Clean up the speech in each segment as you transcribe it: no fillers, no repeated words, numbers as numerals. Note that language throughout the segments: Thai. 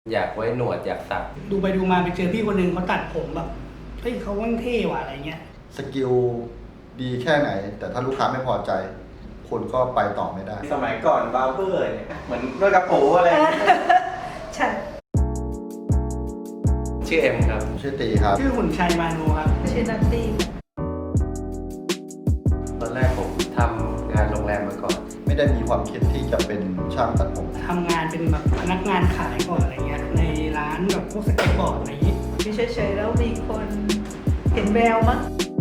อยากไว้หนวดอยากตัดดูไปดูมาไปเจอพี่คนหนึ่งเขาตัดผมแบบเฮ้ยเขาว่างเท่ว่ะอะไรเงี้ยสกิลดีแค่ไหนแต่ถ้าลูกค้าไม่พอใจคนก็ไปต่อไม่ได้สมัยก่อนบาร์เบอร์เนี่ยเหมือนด้วยกระโปรงอะไรใช่ชื่อเอ็มครับชื่อตีครับชื่อหุ่นชัยมาโนครับชื่อนัตตี้ตอนแรกผมทำงานโรงแรมมาก่อนไม่ได้มีความคิดที่จะเป็นช่างตัดผมทำงานเป็นแบบพนักงานขายก่อนอะไรเงี้ยในร้านแบบพวกสเก็ตบอร์ดอะไรอย่างงี้เฉยๆแล้วมีคนเห็นแววมั้ง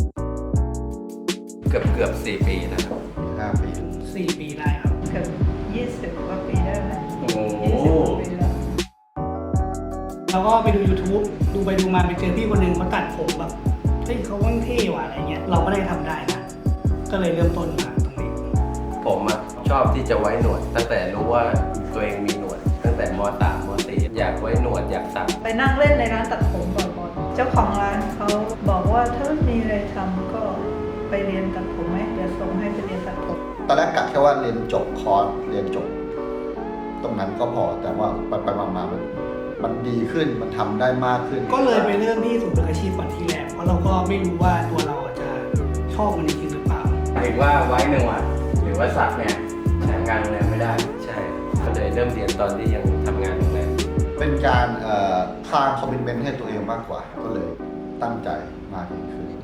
เกือบ4 ปีนะครับ 5 ปี 4 ปีได้ครับเกือบ20 กว่าปีได้ไหมโอ้โห 20 ปีแล้วแล้วก็ไปดู YouTube ดูไปดูมาไปเจอพี่คนหนึ่งเขาตัดผมแบบเฮ้ยเขาว่างเท่ว่ะอะไรเงี้ยเราก็ได้ทำได้นะก็เลยเริ่มต้นมาตรงนี้ผมชอบที่จะไว้หนวดตั้งแต่รู้ว่าตัวเองมีหนวดตั้งแต่ม.3 ม.4 อยากไว้หนวดอยากตัดไปนั่งเล่นในร้านตัดผมบ่อยๆเจ้าของร้านเขาบอกว่าถ้ามีอะไรทำก็ไปเรียนตัดผมไหมเดี๋ยวส่งให้ไปเรียนตัดผมตอนแรกกะแค่ว่าเรียนจบคอร์สเรียนจบตรงนั้นก็พอแต่ว่าไปมามันดีขึ้นมันทำได้มากขึ้นก็เลยไปเริ่มที่ศูนย์ฝึกอาชีพก่อนที่แรกเพราะเราก็ไม่รู้ว่าตัวเราจะชอบมันจริงหรือเปล่าถึงว่าไว้หนวดหรือว่าสักเนี่ยใช้งานโรงแรมไม่ได้ใช่ก็เลยเริ่มเรียนตอนที่ยังทำงานโรงแรมเป็นการสร้างคอมมิตเมนต์ให้ตัวเองมากกว่าก็เลยตั้งใจมากยิ่งขึ้น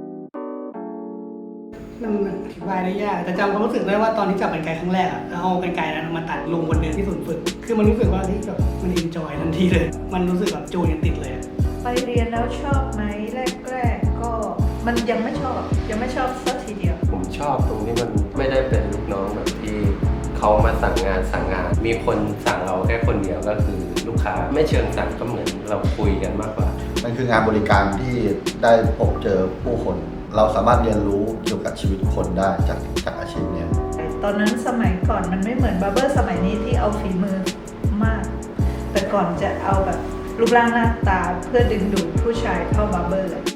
มันอธิบายได้ยากแต่จำความรู้สึกได้ว่าตอนที่จับกรรไกรครั้งแรกอะแล้วเอากรรไกรนั้นมาตัดลุงคนเดิมที่ศูนย์ฝึกคือมันรู้สึกว่าที่แบบมันเอนจอยทันทีเลยมันรู้สึกแบบจูนกันติดเลยไปเรียนแล้วชอบไหมแรกๆก็มันยังไม่ชอบสักทีเดียวผมชอบตรงที่มันไม่ได้เป็นลูกน้องแบบที่เขามาสั่งงานมีคนสั่งเราแค่คนเดียวก็คือลูกค้าไม่เชิงสั่งก็เหมือนเราคุยกันมากกว่ามันคืองานบริการที่ได้พบเจอผู้คนเราสามารถเรียนรู้เกี่ยวกับชีวิตคนได้จากอาชีพนี้ตอนนั้นสมัยก่อนมันไม่เหมือนบาร์เบอร์สมัยนี้ที่เอาฝีมือมากแต่ก่อนจะเอาแบบรูปร่างหน้าตาเพื่อดึงดูดผู้ชายเข้าบาร์เบอร์เลย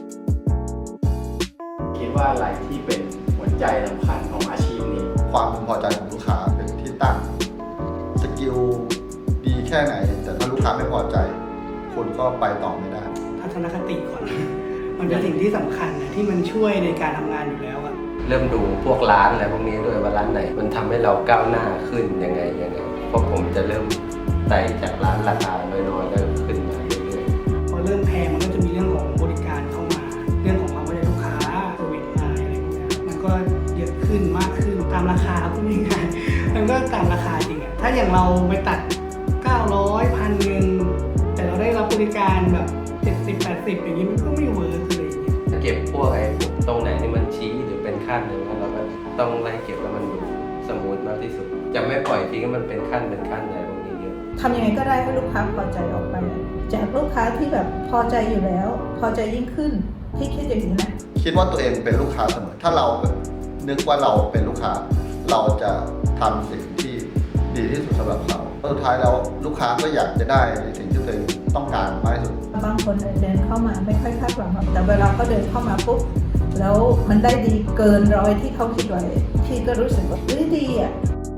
คิดว่าอะไรที่เป็นหัวใจสำคัญของอาชีพนี้ความพึงพอใจของลูกค้าเป็นที่ตั้งสกิลดีแค่ไหนแต่ถ้าลูกค้าไม่พอใจคนก็ไปต่อไม่ได้ทัศนคติก่อนมันเป็นสิ่งที่สำคัญนะที่มันช่วยในการทำงานอยู่แล้วอะเริ่มดูพวกร้านอะไรพวกนี้ด้วยว่าร้านไหนมันทำให้เราก้าวหน้าขึ้นยังไงเพราะผมจะเริ่มไต่จากร้านราคาน้อยๆแล้วขึ้นมาเรื่อยๆพอเริ่มแพงมันก็จะมีเรื่องของบริการเข้ามาเรื่องของความเข้าใจลูกค้าเซอร์วิสมาอะไรพวกนี้มันก็เยอะขึ้นมากขึ้นตามราคาพูดง่ายๆมันก็ตามราคาจริงอะถ้าอย่างเราไปตัด900 1,000แต่เราได้รับบริการแบบ70-80อย่างนี้มันก็ไม่เวิร์กเลยเก็บพวกตรงไหนที่มันชี้หรือเป็นขั้นเลยเราก็ต้องไล่เก็บแล้วมันดูสมูทมากที่สุดจะไม่ปล่อยทิ้งให้มันเป็นขั้นอะไรพวกนี้เยอะทำยังไงก็ได้ให้ลูกค้าพอใจออกไปจากลูกค้าที่แบบพอใจอยู่แล้วพอใจยิ่งขึ้นที่คิดอย่างนี้นะคิดว่าตัวเองเป็นลูกค้าเสมอถ้าเรานึกว่าเราเป็นลูกค้าเราจะทำสิ่งที่ดีที่สุดสำหรับเขาสุดท้ายแล้วลูกค้าก็อยากจะได้ในสิ่งที่ตัวเองต้องการมากที่สุดบางคนเดินเข้ามาไม่ค่อยคาดหวังแต่เวลาเขาเดินเข้ามาปุ๊บแล้วมันได้ดีเกินร้อยที่เขาคิดไว้พี่ก็รู้สึกว่าดีอ่ะ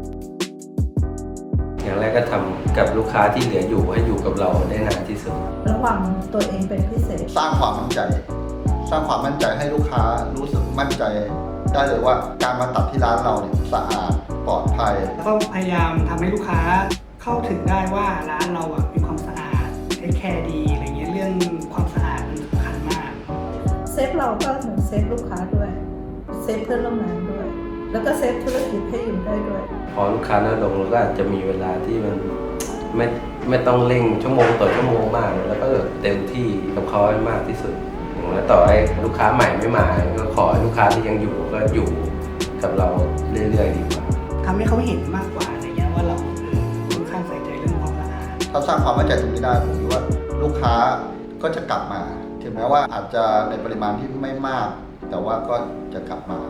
อย่างแรกก็ทำกับลูกค้าที่เหลืออยู่ให้อยู่กับเราได้นานที่สุดระหว่างตัวเองเป็นพิเศษสร้างความมั่นใจให้ลูกค้ารู้สึกมั่นใจได้เลยว่าการมาตัดที่ร้านเราเนี่ยสะอาดปลอดภัยแล้วก็พยายามทำให้ลูกค้าเข้าถึงได้ว่าร้านเราอ่ะมีความสะอาดเทคแคร์ดีอะไรเงี้ยเรื่องความสะอาดมันสำคัญมากเซฟเราก็เหมือนเซฟลูกค้าด้วยเซฟเพื่อนร่วมงานด้วยแล้วก็เซฟธุรกิจให้อยู่ได้ด้วยพอลูกค้าน้อยลงเราก็อาจจะมีเวลาที่มันไม่ต้องเร่งชั่วโมงต่อชั่วโมงมากแล้วก็เต็มที่กับเขาให้มากที่สุดแล้วต่อให้ลูกค้าใหม่ไม่มาก็ขอให้ลูกค้าที่ยังอยู่ก็อยู่กับเราเรื่อยๆดีกว่าทำให้เขาเห็นมากกว่าอะไรเงี้ยว่าเราค่อนข้างใส่ใจเรื่องความสะอาดถ้าสร้างความมั่นใจตรงนี้ได้ผมคิดว่าลูกค้าก็จะกลับมาถึงแม้ว่าอาจจะในปริมาณที่ไม่มากแต่ว่าก็จะกลับมา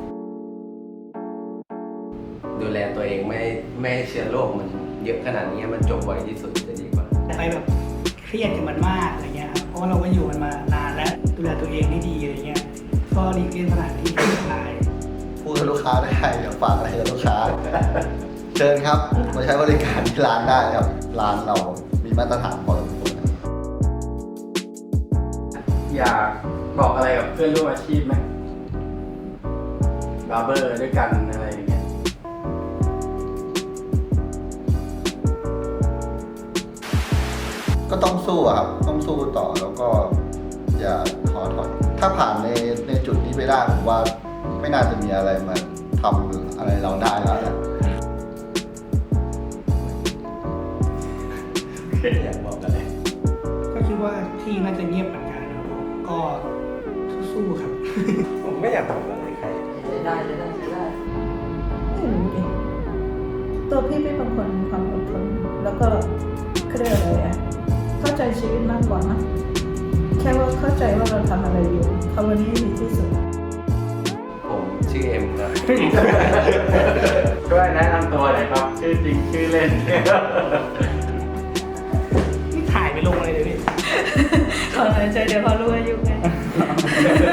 ดูแลตัวเองไม่ให้เชื้อโรคมันเยอะขนาดนี้มันจบไวที่สุดจะดีกว่าไปแบบเครียดกับมันมากอะไรเงี้ยครับเพราะว่าเราก็อยู่มันมานานแล้วดูแลตัวเองให้ดีอะไรเงี้ยก็หลีกเลี่ยงสถานที่ที่อันตรายพูดกับลูกค้าได้อย่าฝากอะไรกับลูกค้าเชิญครับมาใช้บริการที่ร้านได้ครับร้านเรามีมาตรฐานพอสมควรอยากบอกอะไรกับเพื่อนร่วมอาชีพไหมบาร์เบอร์ด้วยกันอะไรอย่างเงี้ยก็ต้องสู้อะครับ ต้องสู้ต่อแล้วก็อย่าท้อถอย ถ้าผ่านในจุดนี้ไปได้ผมว่าไม่น่าจะมีอะไรมาทำอะไรเราได้แล้วแหละอยากบอกอะไรก็คิดว่าที่น่าจะเงียบเหมือนกันนะครับผมก็สู้ๆครับผมไม่อยากบอกอะไรใครไม่รู้ดิตัวพี่เป็นคนมีความอดทนแล้วก็เขาเรียกอะไรอะเข้าใจชีวิตมากกว่านะแค่ว่าเข้าใจว่าเราทำอะไรอยู่ทำวันนี้ให้ดีที่สุดผมชื่อเอ็มครับช่วยแนะนำตัวหน่อยครับ ชื่อจริงชื่อเล่นนี่ถ่ายไปลงอะไรเลยพี่ขอหายใจเดี๋ยวเขารู้อายุไง